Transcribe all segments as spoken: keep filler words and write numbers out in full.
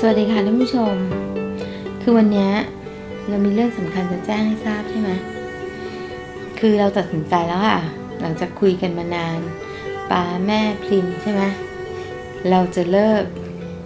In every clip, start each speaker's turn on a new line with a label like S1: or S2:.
S1: วัสดีค่ะท่านผู้ชมคือวันนี้เรามีเรื่องสำคัญจะแจ้งให้ทราบใช่ไหมคือเราตัดสินใจแล้วค่ะหลังจากคุยกันมานานป้าแม่พริมใช่ไหมเราจะเลิก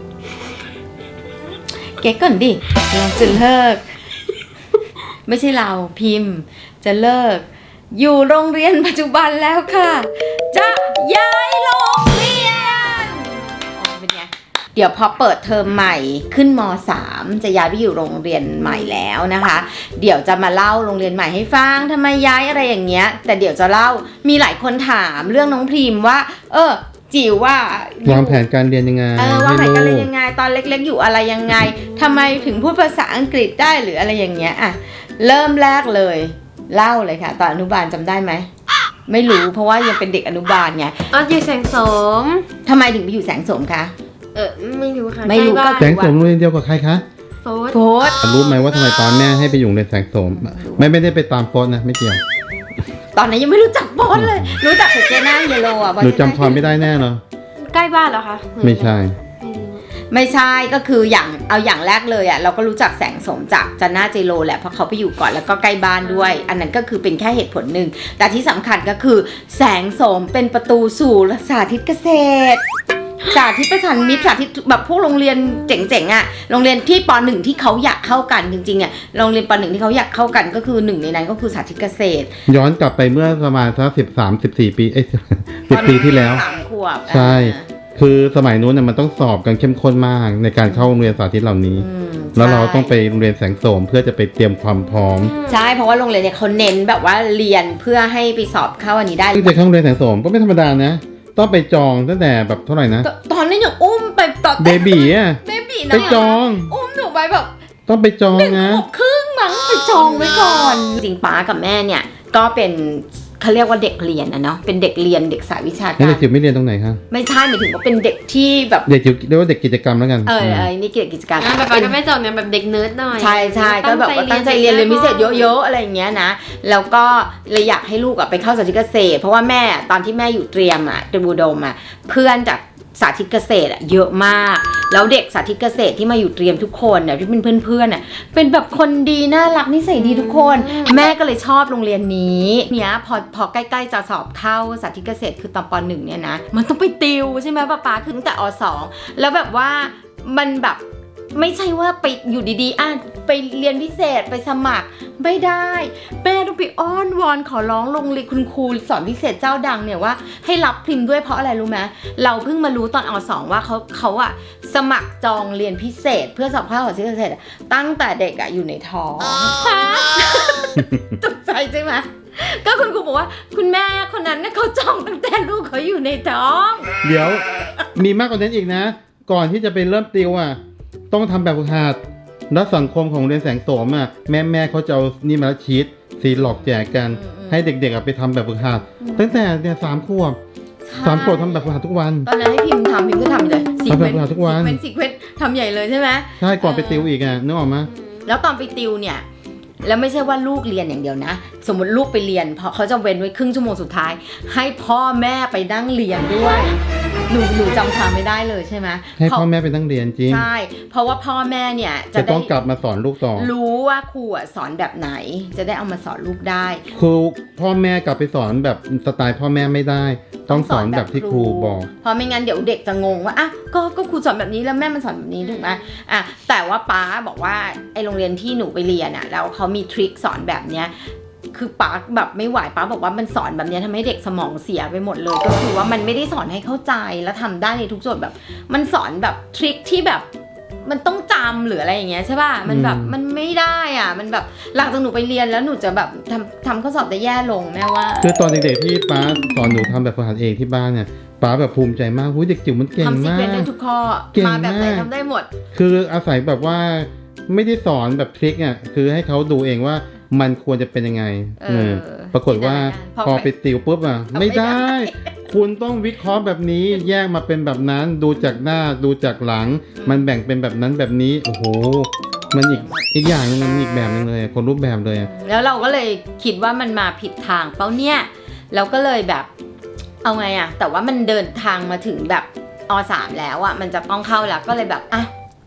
S1: เก๊กก่อนดิเราจะเลิกไม่ใช่เราพิมพ์จะเลิกอยู่โรงเรียนปัจจุบันแล้วค่ะจะย้ายโรงเรียนอ๋อเป็นไงเดี๋ยวพอเปิดเทอมใหม่ขึ้นม.สาม จะย้ายไปอยู่โรงเรียนใหม่แล้วนะคะเดี๋ยวจะมาเล่าโรงเรียนใหม่ให้ฟังทำไมย้ายอะไรอย่างเงี้ยแต่เดี๋ยวจะเล่ามีหลายคนถามเรื่องน้องพิมพ์ว่าเออจิ๋วว่าว
S2: างแผนการเรียนยังไง
S1: เออวางแผนการเรียนยังไงตอนเล็กๆอยู่อะไรยังไงทำไมถึงพูดภาษาอังกฤษได้หรืออะไรอย่างเงี้ยอ่ะเริ่มแรกเลยเล่าเลยค่ะตอนอนุบาลจำได้ไหมไม่รู้เพราะว่ายังเป็นเด็กอนุบาลไง
S3: ตอนอยู่แสงโสม
S1: ทำไมถึงไปอยู่แสงโสมคะ
S3: เออไม่รู้ค่ะ
S1: ไม่รู้ก็
S2: แสงโสมโรงเรียนเดียวกับใครคะ
S3: โฟร์
S1: โฟร์
S2: รู้ไหมว่าทำไมตอนแม่ให้ไปอยู่ในแสงโสมไม่ไม่ได้ไปตามโฟร์นะไม่เกี่ยว
S1: ตอนนั้นยังไม่รู้จักโฟร์เลยรู้จักแต่เจน่าเยโลอ่ะ
S2: หนูจำความไม่ได้แน่เหรอ
S3: ใกล้บ้านเหรอคะ
S2: ไม่ใช่
S1: ไม่ใช่ก็คืออย่างเอาอย่างแรกเลยอ่ะเราก็รู้จักแสงโสมจากจันน่าเจโลแหละเพราะเขาไปอยู่ก่อนแล้วก็ใกล้บ้านด้วยอันนั้นก็คือเป็นแค่เหตุผลหนึ่งแต่ที่สำคัญก็คือแสงโสมเป็นประตูสู่สาธิตเกษตรสาธิตประสานมิตรสาธิตแบบพวกโรงเรียนเจ๋งๆอ่ะโรงเรียนที่ป.หนึ่ง ที่เขาอยากเข้ากันจริงๆอ่ะโรงเรียนป.หนึ่ง ที่เขาอยากเข้ากันก็คือหนึ่งในนั้นก็คือสาธิตเกษตร
S2: ย้อนกลับไปเมื่อประมาณสักสิบสามสิบสี่ปีเอ้ยสิบปีที่แล้ว
S1: สามขวบ
S2: ใช่คือสมัยนู้นเนี่ยมันต้องสอบกันเข้มข้นมากในการเข้าโรงเรียนสาธิตเหล่านี้แล้วเราต้องไปโรงเรียนแสงโสมเพื่อจะไปเตรียมความพร้อม
S1: ใช่เพราะว่าโรงเรียนเนี่ยเขาเน้นแบบว่าเรียนเพื่อให้ไปสอบเข้าอันนี้ได้
S2: ที่จะเข้าโรงเรียนแสงโสมก็ไม่ธรรมดานะต้องไปจองตั้งแต่แบบเท่าไหร่นะ
S1: ตอนนั้นยังอุ้มไปตอน
S2: เบบีอ่ะ
S1: เบบีนะ
S2: ไปจอง
S1: อุ้มหนูไปแบบ
S2: ต้องไปจองนะ
S1: หนึ่งขวบครึ่งมั้งไปจองไว้ก่อนจริงป้ากับแม่เนี่ยก็เป็นเขาเรียกว่าเด็กเรียนนะเนาะเป็นเด็กเรียนเด็กสายวิชาการ
S2: เด็กจิ๋วไม่เรียนตรงไหนคะ
S1: ไม่ใช่หมายถึงว่าเป็นเด็กที่แบบ
S2: เด็กจิ๋วเรียกว่าเด็กกิจกรรมแล้วกัน
S1: เออเออนี่เกี่ยวกับกิจกรรม
S3: แบบก็ไม่จบเนี่ยแบบเด็กเนิร์ดหน่อย
S1: ใช่ใช่ก็แบบว่าตั้งใจเรียนเรียนพิเศษเยอะๆอะไรอย่างเงี้ยนะแล้วก็เลยอยากให้ลูกอะไปเข้าสาธิตเกษตรเพราะว่าแม่ตอนที่แม่อยู่เตรียมอะเตรียมอุดมอะเพื่อนจากสาธิตเกษตรอะเยอะมากแล้วเด็กสาธิตเกษตรที่มาอยู่เตรียมทุกคนเนี่ยที่เป็นเพื่อนๆน่ะเป็นแบบคนดีน่ารักนิสัยดีทุกคนแม่ก็เลยชอบโรงเรียนนี้เนี้ยพอพอใกล้ๆจะสอบเข้าสาธิตเกษตรคือตอนป.หนึ่งเนี่ยนะมันต้องไปติวใช่ไหมป้าป๊าคือตั้งแต่อ.สองแล้วแบบว่ามันแบบไม่ใช่ว่าไปอยู่ดีๆอ่ะไปเรียนพิเศษไปสมัครไม่ได้แม่ต้องไปอ้อนวอนขอร้องลงเรียนคุณครูสอนพิเศษเจ้าดังเนี่ยว่าให้รับพิมพ์ด้วยเพราะอะไรรู้ไหมเราเพิ่งมารู้ตอนอ.สองว่าเขาเขาอะสมัครจองเรียนพิเศษเพื่อสอบเข้าสาธิตเกษตรตั้งแต่เด็กอะอยู่ในท้องตกใจใช่ไหมก็คุณครูบอกว่าคุณแม่คนนั้นเนี่ยเขาจองตั้งแต่ลูกเขาอยู่ในท้อง
S2: เดี๋ยวมีมากกว่านั้นอีกนะก่อนที่จะไปเริ่มติวอะต้องทำแบบฝึกหัดแล้วสังคมของเรียนแสงโสมอ่ะแม่แม่เขาจะเอานี่มาชีตซีหลอกแจกกันให้เด็กๆไปทำแบบฝึกหัดตั้งแต่เนี่ยสามขวบสามขวบทำแบบฝึกหัดทุกวัน
S1: ตอนนั้นให้พิมพ์ทำพิมพ์ก็ทำเลย
S2: ทำแบบฝึกหัดทุกวัน
S1: เป็นสิเควสทำใหญ่เลยใช่ไหม
S2: ใช่ก่อนไปติวอีกอ่ะนึกออกไหม
S1: แล้วตอนไปติวเนี่ยแล้วไม่ใช่ว่าลูกเรียนอย่างเดียวนะสมมติลูกไปเรียนเพราะเขาจะเว้นไว้ครึ่งชั่วโมงสุดท้ายให้พ่อแม่ไปนั่งเรียนด้วยหนูหนูจำทางไม่ได้เลยใช่ไหม
S2: ให้พ่อแม่ไปนั่งเรียนจริง
S1: ใช่เพราะว่าพ่อแม่เนี่ย
S2: จะต้องกลับมาสอนลูกต่อ
S1: รู้ว่าครูสอนแบบไหนจะได้เอามาสอนลูกได้
S2: ครูพ่อแม่กลับไปสอนแบบสไตล์พ่อแม่ไม่ได้ต้องสอนแบบที่ครูบอก
S1: เพราะไม่งั้นเดี๋ยวเด็กจะงงว่าอ่ะก็ก็ครูสอนแบบนี้แล้วแม่มันสอนแบบนี้ถูกไหมอ่ะแต่ว่าป้าบอกว่าไอโรงเรียนที่หนูไปเรียนอ่ะแล้วเขามีทริคสอนแบบเนี้ยคือป้าแบบไม่ไหวป้าบอกว่ามันสอนแบบนี้ทำให้เด็กสมองเสียไปหมดเลยก็คือว่ามันไม่ได้สอนให้เข้าใจแล้วทำได้ในทุกส่วนแบบมันสอนแบบทริคที่แบบมันต้องจำหรืออะไรอย่างเงี้ยใช่ป่ะมันแบบมันไม่ได้อ่ะมันแบบหลังจากหนูไปเรียนแล้วหนูจะแบบทำทำข้อสอบจะแย่ลงแม่ว่า
S2: คือตอนเด็กๆที่ป้าสอนหนูทำแบบฝึกหัดเองที่บ้านเนี่ยป้าแบบภูมิใจมากหุ้ยเด็กจิ๋วมันเก่งมากทำซีเควนซ์
S1: ได้ทุกข้อมาแบบไหนทำได้หมด
S2: คืออาศัยแบบว่าไม่ได้สอนแบบทริคอ่ะคือให้เขาดูเองว่ามันควรจะเป็นยังไงเออปรากฏว่าพอไปติวปุ๊บอ่ะไม่ได้คุณต้องวิเคราะห์แบบนี้แยกมาเป็นแบบนั้นดูจากหน้าดูจากหลังมันแบ่งเป็นแบบนั้นแบบนี้โอ้โหมันอีกอีกอย่างนึงมันอีกแบบนึงเลยคนรูปแบบเลย
S1: แล้วเราก็เลยคิดว่ามันมาผิดทางเป้าเนี่ยเราก็เลยแบบเอาไงอะแต่ว่ามันเดินทางมาถึงแบบอ.สาม แล้วอะมันจะต้องเข้าแล้วก็เลยแบบอ่ะ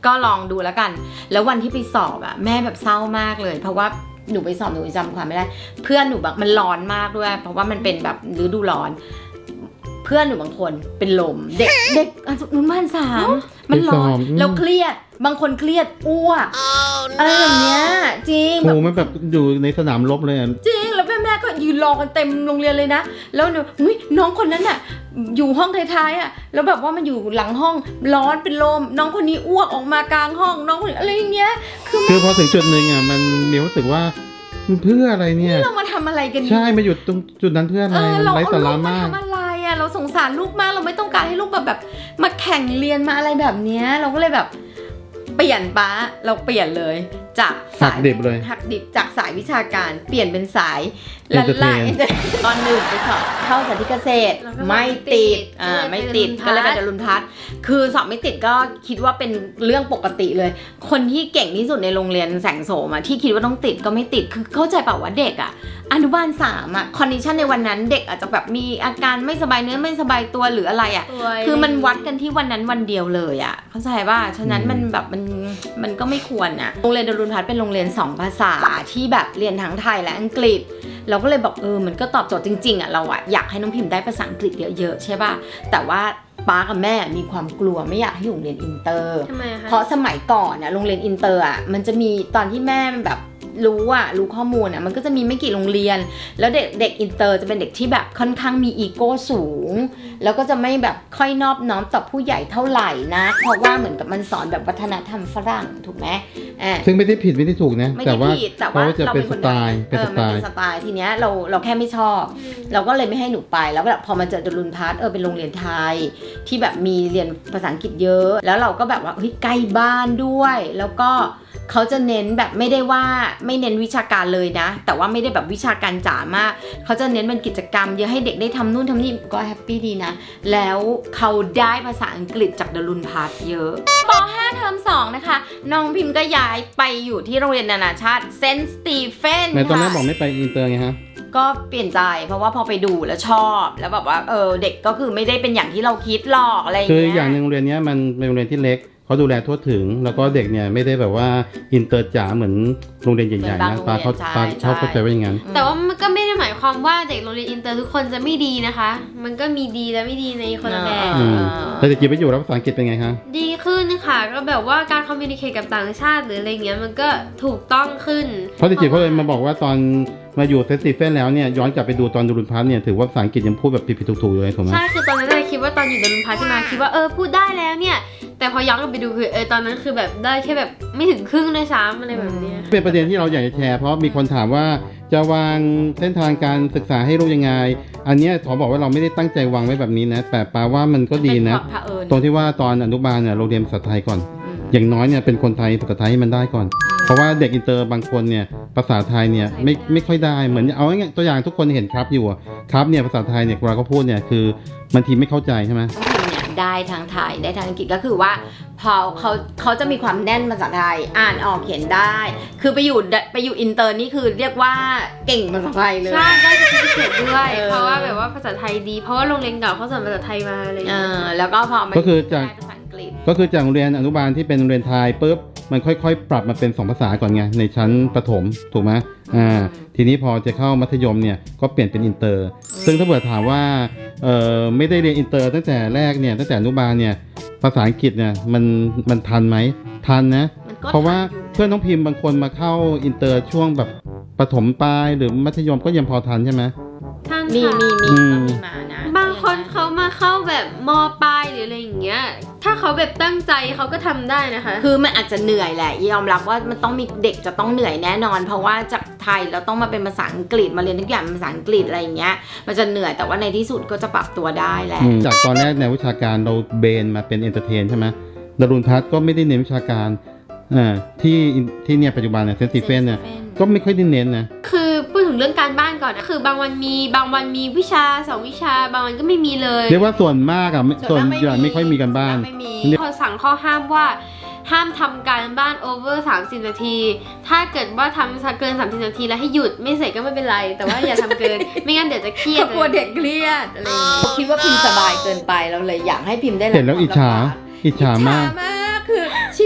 S1: ก็ลองดูแล้วกันแล้ววันที่ไปสอบอะแม่แบบเศร้ามากเลยเพราะว่าหนูไปสอบหนูจำความไม่ได้เพื่อนหนูแบบมันร้อนมากด้วยเพราะว่ามันเป็นแบบฤดูร้อนเพื่อนหนูบางคนเป็นลมเด็กเด็กอนุบาลสามมันร้อนแล้วเครียดบางคนเครียดอ้วกอะไรแบบเนี้ยจริง
S2: โหมันแบบอยู่ในสนามรบเลยอ่ะ
S1: จริงแล้วแม่แม่ก็ยืนรอกันเต็มโรงเรียนเลยนะแล้วหนูอุ้ยน้องคนนั้นน่ะอยู่ห้องท้ายๆอ่ะแล้วแบบว่ามันอยู่หลังห้องร้อนเป็นลมน้องคนนี้อ้วกออกมากลางห้องน้องคนนี้อะไรอย่างเงี้ยคือ
S2: คือพอถึงจุดหนึ่งอ่ะมันมีความรู้สึกว่ามันเพื่ออะไรเนี่ย
S1: เรามาทำอะไรกัน
S2: ใช่มาหยุดตรงจุดนั้นเพื่ออะไร
S1: เออเรา
S2: ไร้
S1: เอา
S2: สา
S1: ลู
S2: ระ
S1: กมาม
S2: าก
S1: ทำอะไรอ่ะเราสงสารลูกมากเราไม่ต้องการให้ลูกแบบแบบมาแข่งเรียนมาอะไรแบบเนี้ยเราก็เลยแบบเปลี่ยนป้าเราเปลี่ยนเลยจากสาย
S2: หักดิบเลย
S1: หักดิบจากสายวิชาการเปลี่ยนเป็นสาย
S2: Entertain
S1: ละลายตอนหนึ่งไปสอบเข้าสาธิตเกษตร
S3: แล้วก็
S1: ไม่ติด
S3: ติด
S1: อ่า
S3: ก็เลย
S1: ไม่ติด
S3: ไป
S1: ก็เลยไป
S3: ด
S1: ด
S3: รุ
S1: รุ
S3: ณ
S1: ณ
S3: พั
S1: พั
S3: ฒ
S1: ฒ
S3: น์
S1: น์คือสอบไม่ติดก็คิดว่าเป็นเรื่องปกติเลย คนที่เก่งที่สุดในโรงเรียนแสงโสมอะที่คิดว่าต้องติดก็ไม่ติดคือเข้าใจเปล่าว่าเด็กอะอนุบาลสามอะคอนดิชันในวันนั้นเด็กอาจจะแบบมีอาการไม่สบายเนื้อไม่สบายตัวหรืออะไรอะ
S3: ป่วย
S1: คือมันวัดกันที่วันนั้นวันเดียวเลยอะเข้าใจป่ะฉะนั้นมันแบบมันมันก็ไม่ควรอะโรงเรียนดรุณพัฒน์เป็นโรงเรียนสองภาษาที่แบบเรียนทั้งไทยและอังกฤษเราก็เลยบอกเออมันก็ตอบโจทย์จริงๆอะเราอะอยากให้น้องพิมพ์ได้ภาษาอังกฤษเยอะๆใช่ป่ะแต่ว่าป้ากับแม่มีความกลัวไม่อยากให้อยู่โรงเรียนอินเตอร์
S3: ทำไมคะ
S1: เพราะสมัยก่อนอะโรงเรียนอินเตอร์อะมันจะมีตอนที่แม่แบบรู้อะรู้ข้อมูลอะมันก็จะมีไม่กี่โรงเรียนแล้วเด็กเด็กอินเตอร์จะเป็นเด็กที่แบบค่อนข้างมีอีโก้สูงแล้วก็จะไม่แบบค่อยนอบน้อมต่อผู้ใหญ่เท่าไหร่นะเพราะว่าเหมือนกับมันสอนแบบวัฒนธรรมฝรั่งถูกไหมอ่า
S2: ซึ่งไม่ได้ผิดไม่ได้ถูกนะ
S1: ไม่
S2: แต่
S1: ได้
S2: ว่า
S1: ผิดแต่
S2: เขา
S1: ว่า
S2: จะ
S1: เรา
S2: เป็น
S1: เป็น
S2: ส
S1: คน
S2: ไตล์เป็น
S1: เอ
S2: ส
S1: อ
S2: ไต
S1: มันเป็
S2: ล์
S1: นสไตล์ทีเนี้ยเราเราแค่ไม่ชอบ เราก็เลยไม่ให้หนูไปแล้วแบบพอมาเจอดรุณพัฒน์เออเป็นโรงเรียนไทยที่แบบมีเรียนภาษาอังกฤษเยอะแล้วเราก็แบบว่าเฮ้ยใกล้บ้านด้วย แล้วก็เขาจะเน้นแบบไม่ได้ว่าไม่เน้นวิชาการเลยนะแต่ว่าไม่ได้แบบวิชาการจ๋ามากเขาจะเน้นเป็นกิจกรรมเยอะให้เด็กได้ทำนู่นทำนี่ก็แฮปปี้ดีนะแล้วเขาได้ภาษาอังกฤษจากดรุณพัฒน์เยอะป ห้า เทอมสองนะคะน้องพิมพ์ก็ย้ายไปอยู่ที่โรงเรียนนานาชาติเซนต์สตีเฟน
S2: ในตอนแรก
S1: ค่ะ
S2: บอกไม่ไปอินเตอร์ไงฮะ
S1: ก็เปลี่ยนใจเพราะว่าพอไปดูแล้วชอบแล้วแบบว่าเออเด็กก็คือไม่ได้เป็นอย่างที่เราคิดหรอกอะไรอย่าง
S2: คือ
S1: เงี้ย
S2: อย่างหนึ่งโรงเรียนเนี้ยมันเป็นโรงเรียนที่เล็กเขาดูแลทั่วถึงแล้วก็เด็กเนี่ยไม่ได้แบบว่าอินเตอร์จ๋าเหมือนโรงเรียนใหญ่ๆนะปาเขาปาเขาเข้าใจว่าอย่างนั้น
S3: แต่ว่ามันก็ไม่ได้หมายความว่าเด็กโรงเรียนอินเตอร์ทุกคนจะไม่ดีนะคะ มันก็มีดีและไม่ดีในคนละแบบ
S2: อืมแต่เด็กจีบไปอยู่แล้วภาษาอังกฤษเป็นไงคะ
S3: ดีขึ้นค่ะก็แบบว่าการคอมมิวนิเคชกับต่างชาติหรืออะไรเงี้ยมันก็ถูกต้องขึ้น
S2: เพราะเด็กจีบเขาเลยมาบอกว่าตอนมาอยู่เซนต์สตีเฟนแล้วเนี่ยย้อนกลับไปดูตอนดรุณพัฒน์เนี่ยถือว่าภาษาอังกฤษยังพูดแบบผิดๆถูกๆอยู่เลยถูกไหม
S3: ใช่คือตอนนั้นเราคิดว่าตอนอยู่ดรุณพัฒน์ใช่ไหมคิดว่าเออพูดได้แล้วเนี่ยแต่พอย้อนกลับไปดูคือเออตอนนั้นคือแบบได้แค่แบบไม่ถึงครึ่งด้วยซ้ำอะไรแบบเนี้ย
S2: เป็นประเด็นที่เราอยากจะแชร์เพราะมีคนถามว่าจะวางเส้นทางการศึกษาให้ลูกยังไงอันเนี้ยขอบอกว่าเราไม่ได้ตั้งใจวางไว้แบบนี้นะแต่ปาว่ามันก็ดีนะ
S1: เป็นความเผอิญ
S2: ตรงที่ว่าตอนอนุบาลเนี่ยเราเรียนภาษาไทยก่อน
S1: อืม
S2: อย่างน้อยเนี่ยเป็นคนไทยภาษาไทยให้มันได้ก่อน เพราะว่าเด็กอินเตอร์บางคนเนี่ยภาษาไทยเนี่ยไม่ไม่ค่อยได้เหมือนเอาง่ายๆตัวอย่างทุกคนเห็นครับอยู่อะครับเนี่ยภาษาไทยเนี่ยเวลาเขาพูดเนี่ยคือบางทีไม่เข้าใจใช่ไหม
S1: น้องพิมเนี่ยได้ทางไทยได้ทางอังกฤษก็คือว่าพอเขาเขาจะมีความแน่นภาษาไทยอ่านออกเขียนได้ คือไปอยู่ไปอยู่อินเตอร์นี่คือเรียกว่าเก่งภาษาไทยเลย
S3: ใช่ได้จะพิเศษด้วย
S1: เออ
S3: เพราะว่าแบบว่าภาษาไทยดี เพราะว่าโรงเรียนเก่าเขาสอนภาษาไทยมาอะไรอย่าง
S1: เอ
S3: เงี้ย
S1: อแล้วก็พอมา
S2: ก็คือจาก
S1: ได้ภาษาอังกฤษ
S2: ก็คือจากโรงเรียนอนุบาลที่เป็นโรงเรียนไทยปุ๊บมันค่อยๆ ปรับมาเป็นสองภาษาก่อนไงในชั้นประถมถูกไหมอ่าทีนี้พอจะเข้ามัธยมเนี่ยก็เปลี่ยนเป็นอินเตอร์ ซึ่งถ้าเกิดถามว่าเอ่อไม่ได้เรียนอินเตอร์ตั้งแต่แรกเนี่ยตั้งแต่อนุบาลเนี่ยภาษาอังกฤษเนี่ยมันมันทันไหมทันนะ
S1: มันก็
S2: เพราะว่า
S1: ทันอยู่
S2: เพื่อนน้องพิมพ์บางคนมาเข้าอินเตอร์ช่วงแบบประถมปลายหรือมัธยมก็ยังพอทันใช่ไหม
S3: ท่าน
S1: มี
S3: ค่ะ
S1: มีมี
S2: อืม
S1: ก็มีมานะ
S3: บางคนเขามาเข้าแบบมปลายหรืออะไรอย่างเงี้ย ถ้าเขาแบบตั้งใจเขาก็ทำได้นะคะ
S1: คือมันอาจจะเหนื่อยแหละยอมรับว่ามันต้องมีเด็กจะต้องเหนื่อยแน่นอน เพราะว่าจากไทยเราต้องมาเป็นภาษาอังกฤษมาเรียนทุกอย่างเป็นภาษาอังกฤษอะไรอย่างเงี้ยมันจะเหนื่อยแต่ว่าในที่สุดก็จะปรับตัวได้แหละ
S2: อืมจากตอนแรกแนววิชาการเราเบนมาเป็นเอนเตอร์เทนใช่ไหมดารุณพัฒน์ก็ไม่ได้เน้นวิชาการอ่าที่ที่เนี่ยปัจจุบันเนี่ยเซนต์สตีเฟนเนี่ยก็ไม่ค่อยได้เน้นนะ
S3: คือพูดถึงเรื่องการบ้านก่อนนะคือบางวันมีบางวันมีวิชาสองวิชาบางวันก็ไม่มีเลย
S2: เรียกว่าส่วนมากอะไม่ส่วนใหญ่ไม่ค่อยมีกันบ้าน
S1: ไม่มี
S3: เขาสั่งข้อห้ามว่าห้ามทำการบ้านโอเวอร์สามสิบนาที ถ้าเกิดว่าทำเกินสามสิบนาทีแล้วให้หยุดไม่เสร็จก็ไม่เป็นไร แต่ว่าอย่าทำเกิน ไม่งั้นเดี๋ยวจะเครียด
S1: กลัวเด็กเครียดอะไรอย่างเงี้ยคิดว่าพิมพ์สบายเกินไปเราเลยอยากให้พิมพ์ได้รับ
S2: เห็นแล้วอิจฉา
S1: ความลำบาก
S2: อิจฉามาก
S1: อิจฉามากคือชี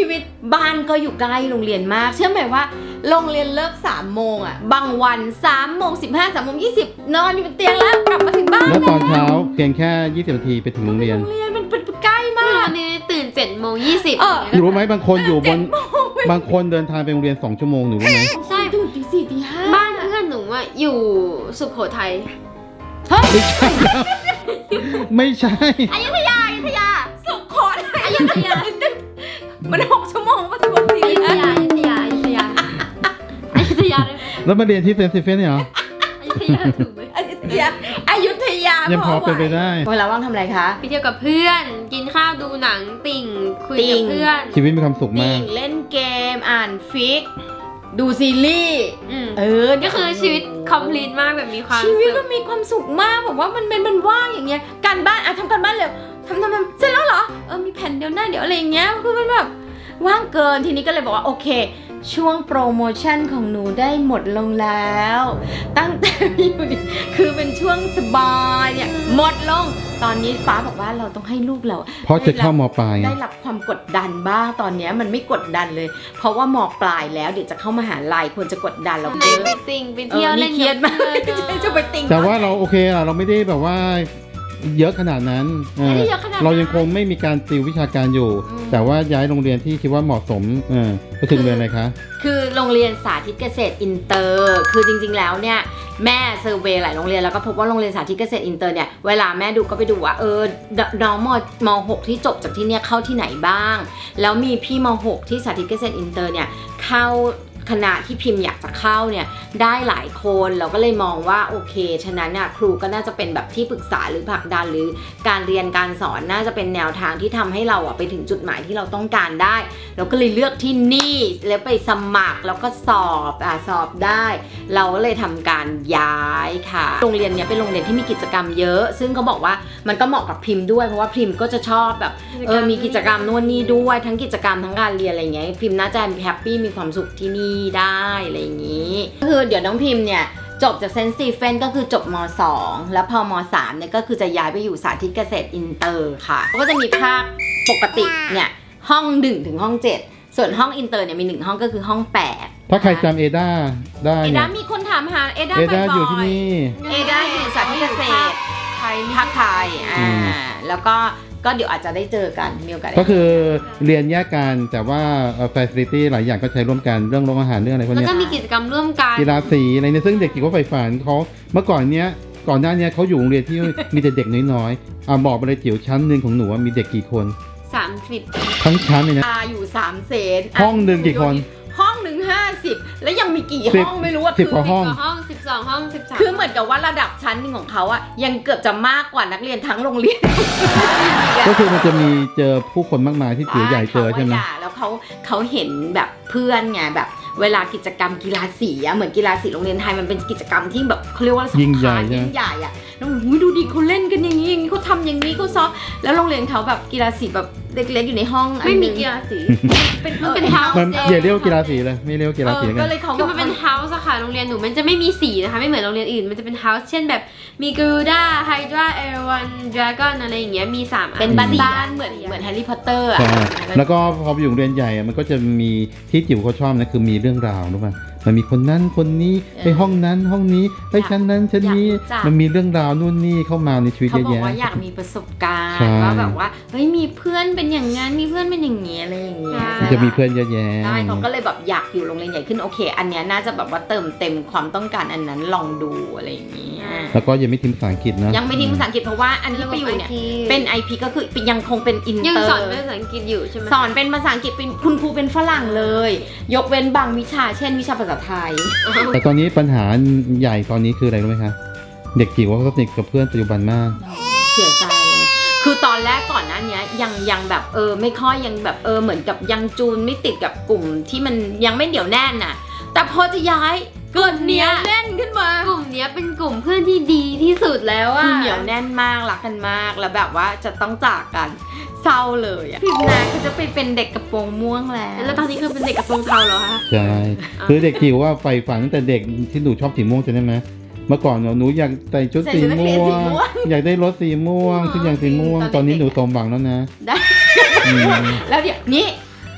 S1: ชีวิตบ้านก็อยู่ใกล้โรงเรียนมากเชื่อไหมว่าโรงเรียนเลิกสามโมงอ่ะบางวันสามโมงสิบห้าสามโมงยี่สิบนอนอยู่บนเตียงแล้วกลับมาถึงบ้าน
S2: แล้วตอนเช้าเพียงแค่ยี่สิบนาทีไปถึงโรงเรียน
S1: โรงเรียนมันเป็นใกล้มาก
S3: วันนี้ตื่นเจ็ดโมงยี่สิบ
S2: หนูรู้ไหมบางคนอยู่บนบางคนเดินทางไปโรงเรียนสองชั่วโมงหนูรู้ไหม
S3: ใช่
S1: ตื่นตีสี่ตีห้า
S3: บ้านเพื่อนหนูอะอยู่สุโขทัย
S1: เฮ้ย
S2: ไม่ใช่แล้วไม่ใช่
S3: อยุธยาอยุธยา
S1: สุโขทัย
S3: อยุธยา
S1: มันหกชั่วโมงปะทุกคน
S3: อยุธยาอยุธยาอยุธยาอยุธยาได้ไหม
S2: แล้วมาเรียนที่เซนต์สตีเฟนเนี่ยเหรอ
S3: อยุธยาถูกไหม
S1: อยุธยาอยุธยา
S2: ยังพอเป็นไปได้
S1: เวลาว่างทำอะไรคะ
S3: ไปเที่ยวกับเพื่อน กินข้าวดูหนังติ่งคุย
S1: ติ่
S3: กับ
S1: ง
S3: เพื่อน
S2: ชีวิตมีความสุข
S1: นิ่
S2: มาก
S1: งเล่นเกมอ่านฟิก ดูซีรีส์
S3: อืม
S1: เออ
S3: ก็คือชีวิตคอมพลีทมากแบบมีความ
S1: ชีวิต
S3: สุ
S1: มั
S3: ข
S1: นมีความสุขมากแบบว่ามันเป็นมันว่างอย่างเงี้ยการบ้านอ่ะทำการบ้านเร็วทำทำทำเสร็จแล้วเหรอเออมีแผ่นเดียวหน้าเดี๋ยวอะไรอย่างเงี้ยคือมันแบบว่างเกินทีนี้ก็เลยบอกว่าโอเค ช่วงโปรโมชั่นของหนูได้หมดลงแล้ว ตั้งแต่อยู่นี่คือเป็นช่วงสบายเนี่ยหมดลงตอนนี้ฟ้าบอกว่าเราต้องให้ลูกเรา
S2: เพราะจะเข้ามปลายไง
S1: ได้รับความกดดันบ้างตอนเนี้ยมันไม่กดดันเลย เพราะว่ามปลายแล้วเดี๋ยวจะเข้ามหาลัยควรจะกดดันเรา
S3: ไหน
S1: เยอะ
S3: ไปติ่งไปเที่ยว
S1: เออ
S3: เล่น
S1: เครียดมาก
S3: กับเพื่อน
S1: จะไปติง
S2: แต่ว่าเราโอเคอะเราไม่ได้แบบว่าเยอะขนาดนั้นเออ
S1: ไม่ได้เยอะขนาดนั้น
S2: เรายังคงไม่มีการติววิชาการอยู่
S1: อืม
S2: แต่ว่าย้ายโรงเรียนที่คิดว่าเหมาะสมเออก็ถึงเรียนอะไรคะ
S1: คือโรงเรียนสาธิตเกษตรอินเตอร์ คือจริงๆแล้วเนี่ยแม่เซอร์เวย์หลายโรงเรียนแล้วก็พบว่าโรงเรียนสาธิตเกษตรอินเตอร์เนี่ยเวลาแม่ดูก็ไปดูว่าเออน้องมมหกที่จบจากที่เนี่ยเข้าที่ไหนบ้าง แล้วมีพี่มหกที่สาธิตเกษตรอินเตอร์เนี่ยเข้าคณะที่พิมพ์อยากจะเข้าเนี่ยได้หลายคนเราก็เลยมองว่าโอเคฉะนั้นน่ะครูก็น่าจะเป็นแบบที่ปรึกษาหรือผลักดันหรือการเรียนการสอนน่าจะเป็นแนวทางที่ทำให้เราอะไปถึงจุดหมายที่เราต้องการได้เราก็เลยเลือกที่นี่แล้วไปสมัครแล้วก็สอบอ่ะสอบได้ เราก็เลยทำการย้ายค่ะโรงเรียนเนี้ยเป็นโรงเรียนที่มีกิจกรรมเยอะ ซึ่งเขาบอกว่ามันก็เหมาะกับพิมพ์ด้วยเพราะว่าพิมพ์ก็จะชอบแบบเออมีกิจกรรมนู่นนี่ด้วยทั้งกิจกรรมทั้งการเรียนอะไรเงี้ยพิมพ์น่าจะแฮปปี้มีความสุขที่นี่ได้อะไรอย่างนี้ก็คือเดี๋ยวน้องพิมพ์เนี่ยจบจากเซนต์สตีเฟนก็คือจบม สอง แล้วพอม สามเนี่ยก็คือจะย้ายไปอยู่สาธิตเกษตรอินเตอร์ค่ะก็จะมีภาคปกติเนี่ยห้องหนึ่งถึงห้องเจ็ดส่วนห้องอินเตอร์เนี่ยมีหนึ่งห้องก็คือห้องแปด
S2: ถ้าใครจำเอดาได้
S1: เอ
S2: เนี่
S1: ดาย มีคนถามหาเอดา
S2: เอ
S1: บ่
S2: ดา
S1: อยๆ
S2: อยู่ที่นี่
S1: เอดาอยู่สาธิตเกษตร
S3: ไทย
S1: ภาคไทยอ่า
S2: อืม
S1: แล้วก็ก็เดี๋ยวอาจจะได้เจอกันมีโอกาสได้
S2: ก็คือเรียนแยกกันแต่ว่าฟ a ซิลิตี้หลายอย่างก็ใช้ร่วมกันเรื่องโรงอาหารเรื่องอะไรพวก
S3: แล้ว
S2: เนี้ย
S3: ก็มีกิจกรรมร่วมกัน
S2: กีฬาสีอะไรเนี่ยซึ่งเด็กที่เขาใฝ่ฝันเขาเมื่อก่อนเนี้ยก่อนหน้าเนี้ยเขาอยู่โรงเรียนที่ มีแต่เด็กน้อยๆอ่ะบอกไปเลยจิ๋วชั้นหนึ่งของหนูว่ามีเด็กกี่คน
S3: สามสิบ
S2: ทั้งชั้นเลยนะ
S1: ตาอยู่สามเซน
S2: ห้องหนึ่งกี่คน
S1: ห้องหนึ่งห้าสิบแล้วยังมีกี่
S2: สิบ
S1: ห้องไม่รู้ว่า
S2: สิบกว่าห้อง
S3: ห้องสิบสองห้องสิบสาม
S1: คือเหมือนกับว่าระดับชั้นหนึ่งของเขาอะยังเกือบจะมากกว่านักเรียนทั้งโรงเรียน
S2: ก็คือมันจะมีเจอผู้คนมากมายที่จิ๋วใหญ่เจอใช่ไหม
S1: ขาว่าย่าแล้วเขาเขาเห็นแบบเพื่อนไงแบบ เวลากิจกรรมกีฬาสีอะเหมือนกีฬาสีโรงเรียนไทยมันเป็นกิจกรรมที่แบบเขาเรียกว่า
S2: ยิ่งใหญ่
S1: สำคัญ
S2: ใช่ไหม
S1: ยิ่งใหญ่อะแล้วอุ๊ยดูดิเขาเล่นกันอย่างนี้อย่างนี้เขาทำอย่างนี้เขาซ้อมแล้วโรงเรียนเขาแบบกีฬาสีแบบเล็กๆอยู่ในห้องอัน
S3: ไม่
S1: ห
S3: มี
S1: นึ่ง
S3: กีฬาสี
S1: เป็น
S3: มันเป็น
S1: ออ
S3: เฮาส์
S2: มันอย่าเรียกว่ากีฬาสีเลยไม่เรียกว่ากีฬาสี
S1: เออ
S2: กั
S1: ก็
S2: น
S1: เลยเขา
S3: คือมันเป็นเฮาส์อะค่ะโรงเรียนหนูมันจะไม่มีสีนะคะไม่เหมือนโรงเรียนอื่นมันจะเป็นเฮาส์เช่นแบบมีกรูด้าไฮดราเอรวันดราก้อนอะไรอย่างเงี้ยมีสามอัน
S1: เป็นบ้าน
S3: สี่
S1: บ้า
S3: อั
S1: นๆเหมือนเหมือนแฮร์รี่พอตเตอร์อะ
S2: ใช่แล้วก็พอไปอยู่โรงเรียนใหญ่อะมันก็จะมีที่จิ๋วเขาชอบนะคือมีเรื่องราวรู้ป่ะมันมีคนนั้นคนนี้ไปห้องนั้นห้องนี้ไปชั้นนั้นชั้นนี้มันมีเรื่องราวนู่นนี่เข้ามาในชีวิต
S1: เขา
S2: เยอะ
S1: บอก
S2: แยะ
S1: ว่าอยากมีประสบการ
S2: ใช่
S1: ณ์ว่าแบบว่าเฮ้ยมีเพื่อนเป็นอย่างนั้นมีเพื่อนเป็นอย่างนี้อะไรอย่างเงี้ย
S2: มันจะมีเพื่อนเยอะแยะ
S1: ใช่เขาก็เลยแบบอยากอยู่โรงเรียนใหญ่ขึ้นโอเค อันเนี้ยน่าจะแบบว่าเติมเต็มความต้องการอันนั้นลองดูอะไรอย่างเงี้ย
S2: แล้วก็ยังไม่ทิ้งภาษาอังกฤษนะ
S1: ยังไม่ทิ้งภาษาอังกฤษเพราะว่าอันที่ไปอยู่เนี่ยเป็น ไอ พี ก็คือยังคงเป็นอิน
S3: ยัง
S1: เตอ
S3: สอน
S1: ร์
S3: เป็นภาษาอังกฤษอยู่ใช่ไหม
S1: สอนเป็นภาษาอังกฤษเป็นคุณครูเป็นฝรั่งเลย ยกเว้นบางวิชาเช่นวิชาภาษาไทย
S2: แต่ตอนนี้ปัญหาใหญ่ตอนนี้คืออะไรรู้ไหมคะเด็กจิ๋วเขาสนิทกับเพื่อนปัจจุบันมาก
S1: เสียใจเลย คือตอนแรกก่อนหน้านี้ยังยังแบบเออไม่ค่อยยังแบบเออเหมือนกับยังจูนไม่ติดกับกลุ่มที่มันยังไม่เหนียวแน่นน่ะ แต่พอจะย้ายเกิดเหนียวแน่นขึ้นมาก
S3: ลุ่มเนี้ยเป็นกลุ่มเพื่อนที่ดีที่สุดแล้วอะ
S1: คือเหนียวแน่นมากรักกันมากแล้วแบบว่าจะต้องจากกันเศร้าเลยอะพิมนาเขาจะไปเป็นเด็กกระโปรงม่วงแล้ว
S3: แล้วตอนนี้คือเป็นเด็กกระโปรงเทาเหรอคะ
S2: ใช่คือเด็กจิ๋วว่าใฝ่ฝันตั้งแต่เด็กที่หนูชอบสีม่วงใช่ไหมเมื่อก่อนหนูอยากใส่ชุดสีม่วงอยากได้รถสีม่วงทุกอย่างสีม่วงตอนนี้หนูสมหวังแล้วนะ
S1: ได้
S2: อืม
S1: แล้วเดี๋ยวนี้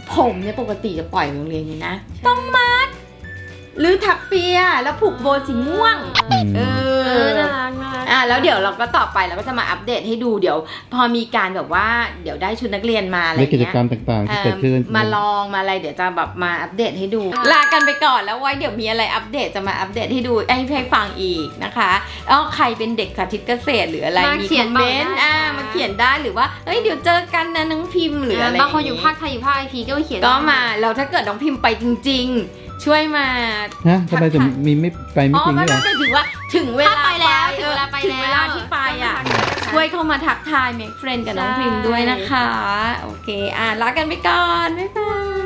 S1: ผมเนี่ยปกติจะปล่อยโรงเรียนอยู่นะต้องมัดหรือถักเปียแล้วผูกโบสีม่วง
S2: อืม
S1: เอ
S3: เอ
S1: อ
S3: อน่ารักน่ารัก
S1: อ่ะแล้วเดี๋ยวเราก็ต่อไปเราก็จะมาอัปเดตให้ดูเดี๋ยว พอมีการแบบว่าเดี๋ยวได้ชุดนักเรียนมาอะไร
S2: ในกิจ
S1: เงี้ย
S2: กรรมต่างๆที่
S1: เอ่อ
S2: เกิดขึ้น
S1: มาลองมาอะไรเดี๋ยวจะแบบมาอัปเดตให้ดู ลากันไปก่อนแล้วไว้เดี๋ยวมีอะไรอัปเดตจะมาอัปเดตให้ดูให้ให้ฟังอีกนะคะแล้วใครเป็นเด็กสาธิตเกษตรหรืออะไร
S3: มา
S1: มี
S3: เขี
S1: ค
S3: ย
S1: อน มเมนต์
S3: บอกได้
S1: อ่า
S3: นะ
S1: มาเขียนได้หรือว่าเฮ้ยเดี๋ยวเจอกันนะน้องพิมพ์หรืออะไร
S3: บางคนอยู่ภาคไทยอยู่ภาคไอพีก็มาเขียน
S1: ก็มาเราถ้าเกิดน้องพิมพ์ไปจริง ๆ ช่วยมา
S2: ฮะทำไมถึงมีไม่ไปไม่
S1: อ๋อ
S2: จริง
S1: ไม่
S2: ด้วยเหร
S1: ไม่
S2: อ
S1: ไม่ถือว่าถึงเวลา
S3: ถ้าไปแล้ว
S1: เอ
S3: ถึง
S1: อ
S3: เวลาไป
S1: ถึง
S3: แล้ว
S1: เวลาที่ไปอ่ะ
S3: ต้องมาทักทาย
S1: ช่วยเข้ามาทักทาย make friend กับน้อง
S3: ใช่
S1: พิมพ์ด้วยนะคะ โอเค อ่ะลากันไปก่อน บ๊ายบาย